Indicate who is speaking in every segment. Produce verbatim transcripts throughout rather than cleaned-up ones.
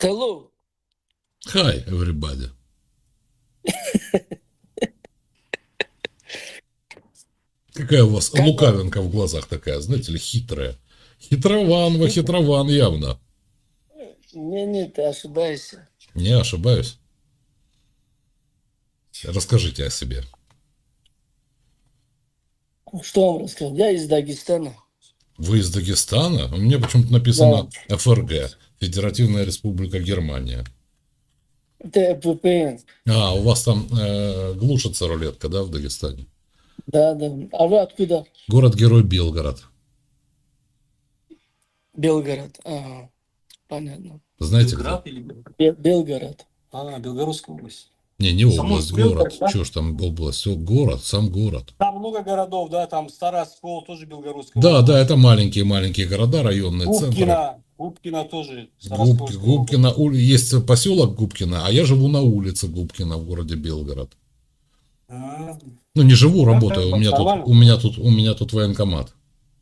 Speaker 1: Hello.
Speaker 2: Hi, everybody. Какая у вас
Speaker 1: Как вам?
Speaker 2: лукавинка в глазах такая, знаете ли, хитрая. Хитрован, вы хитрован явно.
Speaker 1: Не, не, ты ошибаешься.
Speaker 2: Не ошибаюсь. Расскажите о себе.
Speaker 1: Что вам рассказать? Я из Дагестана.
Speaker 2: Вы из Дагестана? У меня почему-то
Speaker 1: Да.
Speaker 2: написано эф эр гэ, Федеративная Республика Германия.
Speaker 1: Это вэ пэ эн.
Speaker 2: А, у вас там э, глушится рулетка, да, в Дагестане?
Speaker 1: Да, да. А вы откуда?
Speaker 2: Город-герой Белгород.
Speaker 1: Белгород. Ага. Понятно.
Speaker 2: Знаете где?
Speaker 3: Белград или Белгород?
Speaker 1: Бе- Белгород.
Speaker 3: А, Белгородская область.
Speaker 2: Не, не область,
Speaker 3: Саму Белгород,
Speaker 2: город.
Speaker 3: да?
Speaker 2: Чего ж там область? Все, город, сам город.
Speaker 3: Там много городов, да, там Староскол, тоже Белгородская
Speaker 2: Да, да,
Speaker 3: область.
Speaker 2: это маленькие-маленькие города, районные центры.
Speaker 3: Губкино, Губкино тоже
Speaker 2: Губки,
Speaker 3: Староскольская область.
Speaker 2: Губкино, ули- есть поселок Губкино, а я живу на улице Губкино в городе Белгород.
Speaker 3: А,
Speaker 2: Ну, не живу,
Speaker 3: да,
Speaker 2: работаю. У меня тут,
Speaker 3: нормально.
Speaker 2: у меня тут, у меня тут военкомат.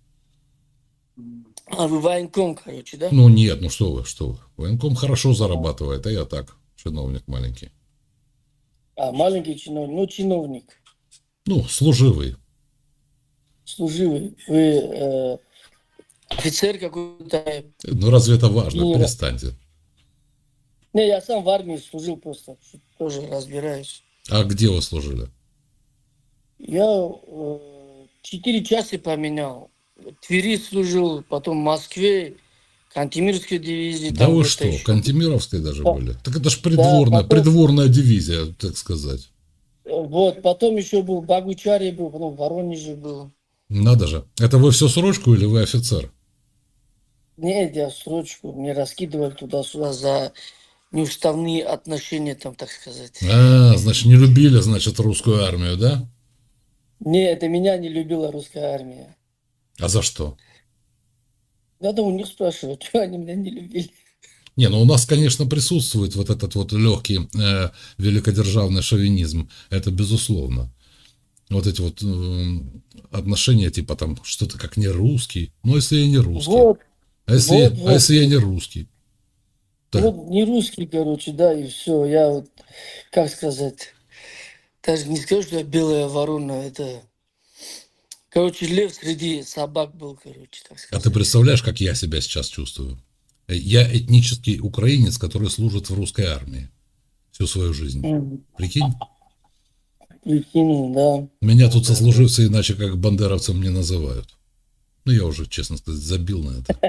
Speaker 1: А вы военком, короче, да?
Speaker 2: Ну, нет, ну что вы, что вы. Военком хорошо зарабатывает, а я так, чиновник маленький.
Speaker 1: А, маленький чиновник. Ну, чиновник.
Speaker 2: Ну, служивый.
Speaker 1: Служивый. Вы э, офицер какой-то.
Speaker 2: Ну, разве это важно?
Speaker 1: Генерал.
Speaker 2: Перестаньте.
Speaker 1: Не, я сам в армии служил просто. Тоже разбираюсь.
Speaker 2: А где вы служили?
Speaker 1: Я э, четыре части поменял. В Твери служил, потом в Москве, Кантемирской дивизии.
Speaker 2: Да
Speaker 1: Там
Speaker 2: вы
Speaker 1: где-то
Speaker 2: что,
Speaker 1: еще.
Speaker 2: Кантемировской даже
Speaker 1: Да.
Speaker 2: были? Так это ж
Speaker 1: Да,
Speaker 2: придворная,
Speaker 1: потом,
Speaker 2: придворная дивизия, так сказать.
Speaker 1: вот, потом еще был в Богучаре был, потом в Воронеже был.
Speaker 2: Надо же. Это вы все срочку или вы офицер?
Speaker 1: Нет, я срочку, мне раскидывали туда-сюда за неуставные отношения, там, так сказать.
Speaker 2: А, значит, не любили, значит, русскую армию, да?
Speaker 1: Не, это меня не любила русская армия.
Speaker 2: А за что?
Speaker 1: Надо у них спрашивать, что они меня не любили.
Speaker 2: Не, ну у нас, конечно, присутствует вот этот вот легкий э, великодержавный шовинизм. Это безусловно. Вот эти вот э, отношения, типа там, что-то как не русский. Ну, если я не русский.
Speaker 1: Вот,
Speaker 2: А если,
Speaker 1: вот,
Speaker 2: а
Speaker 1: вот,
Speaker 2: если я не русский? Да.
Speaker 1: вот не русский, короче, да, и все. Я вот, как сказать, даже не скажу, что я белая ворона, это, короче, лев среди собак был, короче, так
Speaker 2: А ты
Speaker 1: сказать.
Speaker 2: представляешь, как я себя сейчас чувствую? Я этнический украинец, который служит в русской армии всю свою жизнь.
Speaker 1: Мгм.
Speaker 2: Прикинь?
Speaker 1: Прикинь, да.
Speaker 2: Меня тут сослуживцы иначе как бандеровцем не называют. Ну, я уже, честно сказать, забил на это.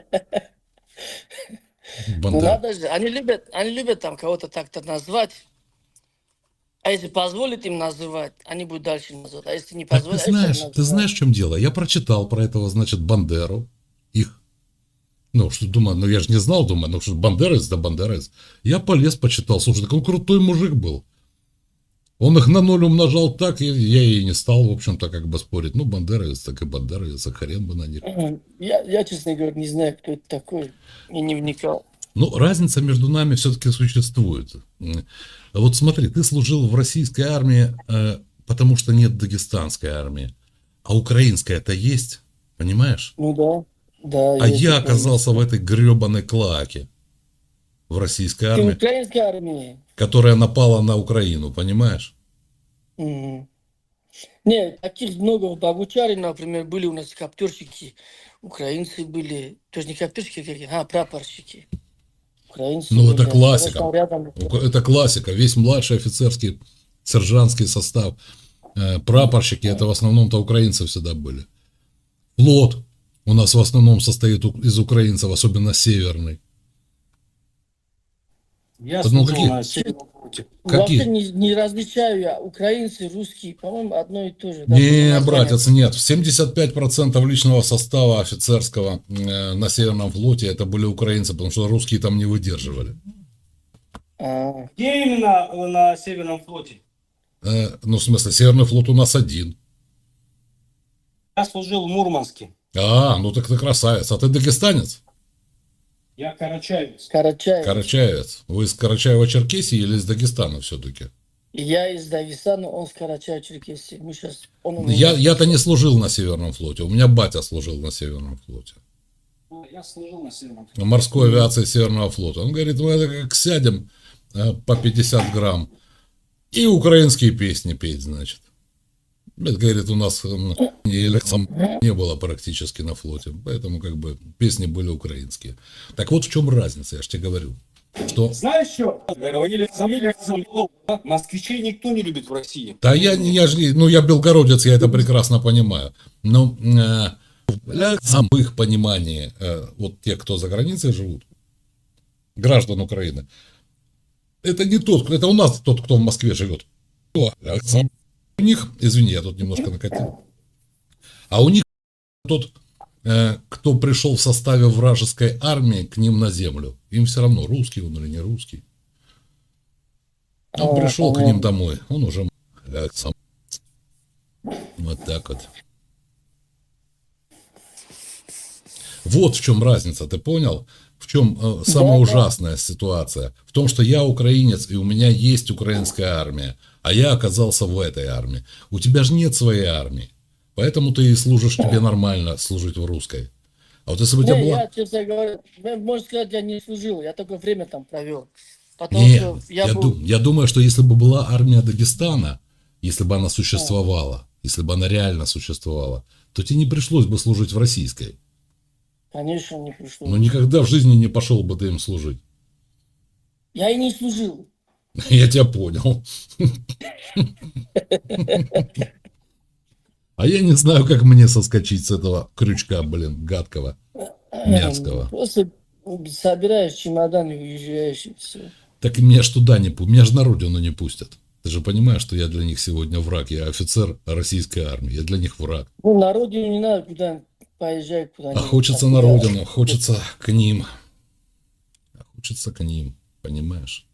Speaker 1: Ну
Speaker 2: Бандер...
Speaker 1: надо же, они любят, они любят там кого-то так-то назвать. А если позволит им называть, они будут дальше называть. А если не
Speaker 2: Так ты
Speaker 1: позволят, они так
Speaker 2: знаешь, ты
Speaker 1: называют.
Speaker 2: знаешь, в чем дело? Я прочитал про этого, значит, Бандеру. Их. Ну, что думаю, ну я же не знал, думаю, ну что бандерец, да бандерец. Я полез, почитал. Слушай, так он крутой мужик был. Он их на ноль умножал так, и я и не стал, в общем-то, как бы спорить. Ну, бандеровец, так и бандеровец, а хрен бы на них.
Speaker 1: Мгм. Я, я, честно говоря, не знаю, кто это такой. И не вникал.
Speaker 2: Ну, разница между нами все-таки существует. Вот смотри, ты служил в российской армии, э, потому что нет дагестанской армии. А украинская-то есть, понимаешь?
Speaker 1: Ну да, да,
Speaker 2: А
Speaker 1: есть
Speaker 2: я
Speaker 1: украинская.
Speaker 2: оказался в этой гребаной клаке в российской
Speaker 1: Ты в
Speaker 2: армии,
Speaker 1: украинской армии?
Speaker 2: которая напала на Украину, понимаешь?
Speaker 1: Мгм. Нет, таких много. В Богучаре, например, были у нас коптерщики. Украинцы были. Тоже не коптерщики, какие, а прапорщики. Украинцы
Speaker 2: Ну,
Speaker 1: были.
Speaker 2: это
Speaker 1: А сейчас
Speaker 2: классика.
Speaker 1: там рядом.
Speaker 2: Это классика. Весь младший офицерский, сержантский состав, э, прапорщики, это в основном-то украинцы всегда были. Флот у нас в основном состоит у- из украинцев, особенно северный.
Speaker 3: Я
Speaker 2: Ну,
Speaker 3: служил
Speaker 2: какие?
Speaker 3: на Северном флоте.
Speaker 1: Вообще
Speaker 2: Какие?
Speaker 1: не, не различаю я. Украинцы, русские, по-моему, одно и то же. Да,
Speaker 2: Не,
Speaker 1: только
Speaker 2: братец,
Speaker 1: название.
Speaker 2: нет. семьдесят пять процентов личного состава офицерского э, на Северном флоте это были украинцы, потому что русские там не выдерживали.
Speaker 1: А,
Speaker 3: Где именно э, на Северном флоте?
Speaker 2: Э, ну, в смысле, Северный флот у нас один.
Speaker 3: Я служил в Мурманске.
Speaker 2: А, ну так ты красавец. А ты дагестанец?
Speaker 3: Я карачаевец.
Speaker 1: Карачаев.
Speaker 2: Карачаевец. Вы из Карачаева-Черкесии или из Дагестана все-таки?
Speaker 1: Я из Дагестана, он с Карачаева-Черкесии. Мы сейчас, он у меня
Speaker 2: Я, я-то не
Speaker 1: сейчас.
Speaker 2: служил на Северном флоте. У меня батя служил на Северном флоте.
Speaker 3: Я служил на Северном
Speaker 2: морской авиации Северного флота. Он говорит, мы это как сядем э, по пятьдесят грамм и украинские песни петь, значит. Это, говорит, у нас м, или сам не было практически на флоте, поэтому как бы песни были украинские. Так вот в чем разница, я же тебе говорю. Что...
Speaker 3: Знаешь что? Говорили, говорили, москвичей никто не любит в России.
Speaker 2: Да я, я же, не- ну я белгородец, я это прекрасно понимаю. Но э, для самых понимании, э, вот те, кто за границей живут, граждан Украины, это не тот, это у нас тот, кто в Москве живет. У них, извини, я тут немножко накатил, а у них тот, э, кто пришел в составе вражеской армии к ним на землю, им все равно, русский он или не русский. Он
Speaker 1: А,
Speaker 2: пришел к
Speaker 1: понятно.
Speaker 2: ним домой, он уже э, сам. Вот так вот. Вот в чем разница, ты понял? В чем э, самая
Speaker 1: Да, да.
Speaker 2: ужасная ситуация? В том, что я украинец, и у меня есть украинская армия, а я оказался в этой армии. У тебя же нет своей армии, поэтому ты и служишь, тебе нормально служить в русской. А вот если бы у тебя
Speaker 1: Не,
Speaker 2: была...
Speaker 1: я, честно говоря, ну, можно сказать, я не служил, я только время там провел. Потому
Speaker 2: Не,
Speaker 1: что я,
Speaker 2: я,
Speaker 1: был...
Speaker 2: дум- я думаю, что если бы была армия Дагестана, если бы она существовала, если бы она реально существовала, то тебе не пришлось бы служить в российской.
Speaker 1: Конечно, не пришло.
Speaker 2: Но никогда в жизни не пошел бы ты им служить.
Speaker 1: Я и не служил.
Speaker 2: Я тебя понял. А я не знаю, как мне соскочить с этого крючка, блин, гадкого, мерзкого.
Speaker 1: Просто собираешь чемодан и уезжаешь, и все.
Speaker 2: Так и меня ж туда не пустят, меня же на родину не пустят. Ты же понимаешь, что я для них сегодня враг, я офицер российской армии, я для них враг.
Speaker 1: Ну, на родину не надо куда поезжать
Speaker 2: А
Speaker 1: куда-нибудь.
Speaker 2: хочется
Speaker 1: там,
Speaker 2: на
Speaker 1: куда-
Speaker 2: родину, хочется к ним. А хочется к ним, понимаешь?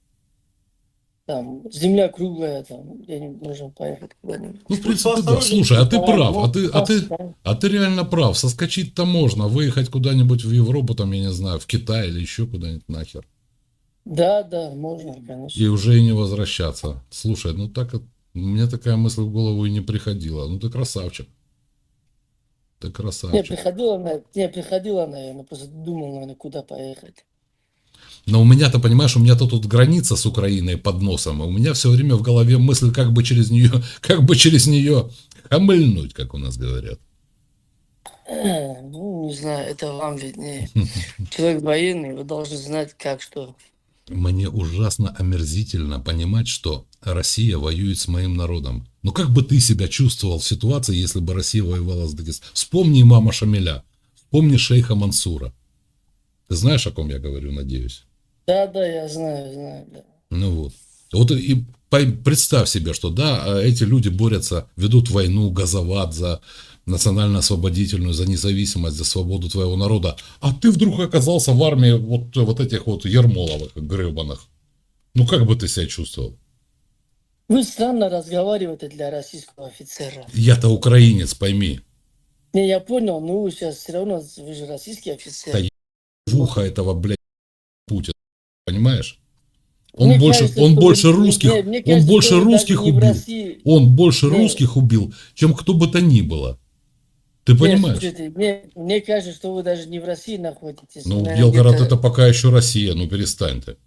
Speaker 1: Там земля круглая, там где-нибудь можно поехать куда-нибудь.
Speaker 2: Ну, в принципе, да. Слушай, а ты прав, а ты, а ты, а ты реально прав. Соскочить-то можно, выехать куда-нибудь в Европу, там, я не знаю, в Китай или еще куда-нибудь нахер.
Speaker 1: Да, да, можно, конечно.
Speaker 2: И уже и не возвращаться. Слушай, ну так, вот, мне такая мысль в голову и не приходила. Ну ты красавчик. Ты
Speaker 1: Не,
Speaker 2: красавчик.
Speaker 1: приходила, на- не, приходила, наверное, просто думал, наверное, куда поехать.
Speaker 2: Но у меня-то, понимаешь, у меня-то тут граница с Украиной под носом, и у меня все время в голове мысль, как бы через нее, как бы через нее хамыльнуть, как у нас говорят.
Speaker 1: Э, Ну, не знаю, это вам виднее. Человек военный, вы должны знать, как что.
Speaker 2: Мне ужасно омерзительно понимать, что Россия воюет с моим народом. Ну как бы ты себя чувствовал в ситуации, если бы Россия воевала с Дагестаном? Вспомни имама Шамиля, вспомни шейха Мансура. Ты знаешь, о ком я говорю, надеюсь?
Speaker 1: Да, да, я знаю, знаю, да.
Speaker 2: Ну вот. Вот и по- представь себе, что да, эти люди борются, ведут войну, газоват за национально-освободительную, за независимость, за свободу твоего народа. А ты вдруг оказался в армии вот, вот этих вот Ермоловых, гребаных. Ну как бы ты себя чувствовал?
Speaker 1: Вы странно разговариваете для российского офицера.
Speaker 2: Я-то украинец, пойми.
Speaker 1: Не, я понял, но вы сейчас все равно, вы же российский офицер.
Speaker 2: Да в ухо этого, блядь, Путина. Понимаешь? Он
Speaker 1: Мне
Speaker 2: больше,
Speaker 1: кажется,
Speaker 2: он
Speaker 1: что
Speaker 2: больше
Speaker 1: вы-
Speaker 2: русских,
Speaker 1: не, мне
Speaker 2: он
Speaker 1: кажется,
Speaker 2: больше
Speaker 1: что вы
Speaker 2: русских
Speaker 1: даже не в
Speaker 2: убил.
Speaker 1: России.
Speaker 2: Он больше
Speaker 1: Не.
Speaker 2: русских убил, чем кто бы то ни было. Ты
Speaker 1: Не,
Speaker 2: понимаешь?
Speaker 1: слушайте, мне, мне кажется, что вы даже не в России находитесь.
Speaker 2: Ну,
Speaker 1: наверное,
Speaker 2: Белгород
Speaker 1: где-то
Speaker 2: это пока еще Россия, ну перестань ты.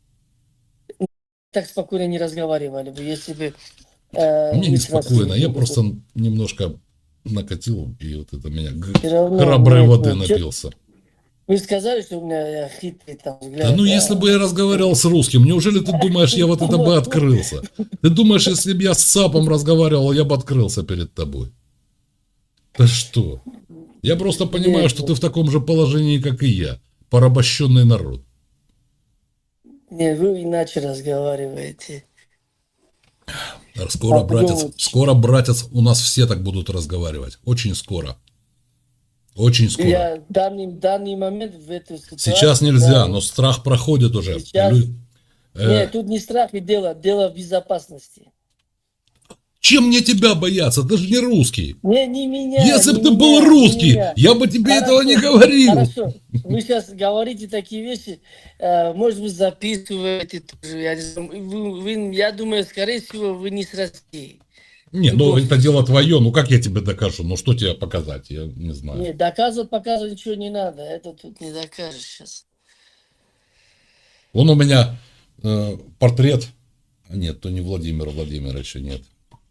Speaker 1: так спокойно не разговаривали бы, если бы... э,
Speaker 2: Мне
Speaker 1: вы с
Speaker 2: неспокойно,
Speaker 1: Россией
Speaker 2: я
Speaker 1: были бы.
Speaker 2: просто немножко накатил, и вот это меня г-
Speaker 1: Всё равно,
Speaker 2: храброй
Speaker 1: нет,
Speaker 2: воды
Speaker 1: нет, чё-
Speaker 2: напился.
Speaker 1: Вы сказали, что у меня хитрый там взгляд.
Speaker 2: Да ну если бы я разговаривал с русским, неужели ты думаешь, я вот это бы открылся? Ты думаешь, если бы я с ЦАПом разговаривал, я бы открылся перед тобой? Да что? Я просто понимаю, что ты в таком же положении, как и я. Порабощенный народ.
Speaker 1: Нет, вы иначе разговариваете.
Speaker 2: Скоро,
Speaker 1: А
Speaker 2: братец,
Speaker 1: подумать.
Speaker 2: скоро, братец, у нас все так будут разговаривать. Очень скоро. Очень скоро.
Speaker 1: Я в данный, в данный момент в эту ситуацию...
Speaker 2: Сейчас нельзя,
Speaker 1: да,
Speaker 2: но страх проходит уже.
Speaker 1: Сейчас-
Speaker 2: Лю- э,
Speaker 1: Нет, тут не страх и дело, дело в безопасности.
Speaker 2: Чем мне тебя бояться? Ты же не русский.
Speaker 1: Не, не меня.
Speaker 2: Если
Speaker 1: не
Speaker 2: бы ты
Speaker 1: меня,
Speaker 2: был
Speaker 1: не
Speaker 2: русский,
Speaker 1: меня.
Speaker 2: я бы тебе
Speaker 1: Хорошо,
Speaker 2: этого не говорил.
Speaker 1: Хорошо, вы сейчас говорите такие вещи, э, может быть, записываете тоже. Я, не знаю. Вы- вы- я думаю, скорее всего, вы не с России.
Speaker 2: Не, ну
Speaker 1: Любовь.
Speaker 2: это дело твое, ну как я тебе докажу? Ну что тебе показать? Я не знаю.
Speaker 1: Не, доказывать, показывать ничего не надо. Это тут не докажешь сейчас.
Speaker 2: Вон у меня э, портрет. А нет, то не Владимира Владимировича, нет.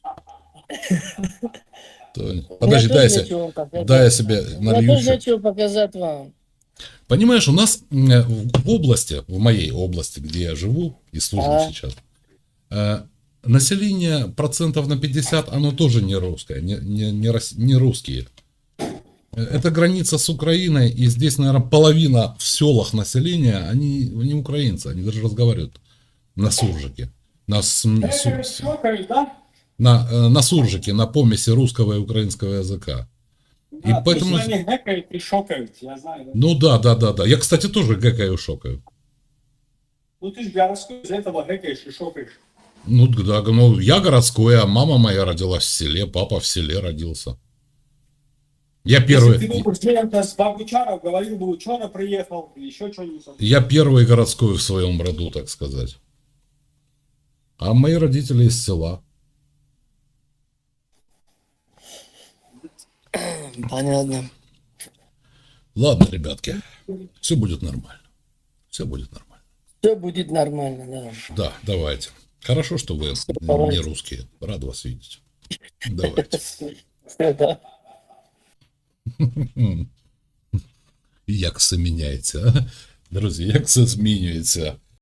Speaker 2: То- Подожди, дай я,
Speaker 1: тоже
Speaker 2: се-
Speaker 1: нечего вам показать.
Speaker 2: дай я себе
Speaker 1: У меня
Speaker 2: налью
Speaker 1: тоже
Speaker 2: еще.
Speaker 1: нечего показать вам.
Speaker 2: Понимаешь, у нас э, в области, в моей области, где я живу и служу
Speaker 1: Ага.
Speaker 2: сейчас, э, население процентов на пятьдесят, оно тоже не русское, не, не, не, рос- не русские. Э, Это граница с Украиной, и здесь, наверное, половина в селах населения, они не украинцы, они даже разговаривают на суржике. На, см-
Speaker 3: Э,
Speaker 2: су- с-
Speaker 3: щелкаешь, да?
Speaker 2: на, э, на суржике, на помеси русского и украинского языка. И
Speaker 3: Да,
Speaker 2: поэтому...
Speaker 3: точно они гэкают и шокают, я знаю. Да?
Speaker 2: Ну да, да, да, да. Я, кстати, тоже гэкаю, шокаю.
Speaker 3: Ну ты же городской, из-за этого гэкаешь и шокаешь.
Speaker 2: Ну да, ну я городской, а мама моя родилась в селе, папа в селе родился. Я первый,
Speaker 3: Если ты был студентом с Богучаров, говорил бы, ученый приехал, или еще что-нибудь.
Speaker 2: я первый городской в своем роду, так сказать. А мои родители из села.
Speaker 1: Понятно.
Speaker 2: Ладно, ребятки, все будет нормально. Все будет нормально.
Speaker 1: Все будет нормально, да.
Speaker 2: Да, давайте. Хорошо, что вы
Speaker 1: давайте.
Speaker 2: не русские. Рад вас видеть. Давайте.
Speaker 1: Да.
Speaker 2: Як все міняється, а? Друзі, як все змінюється.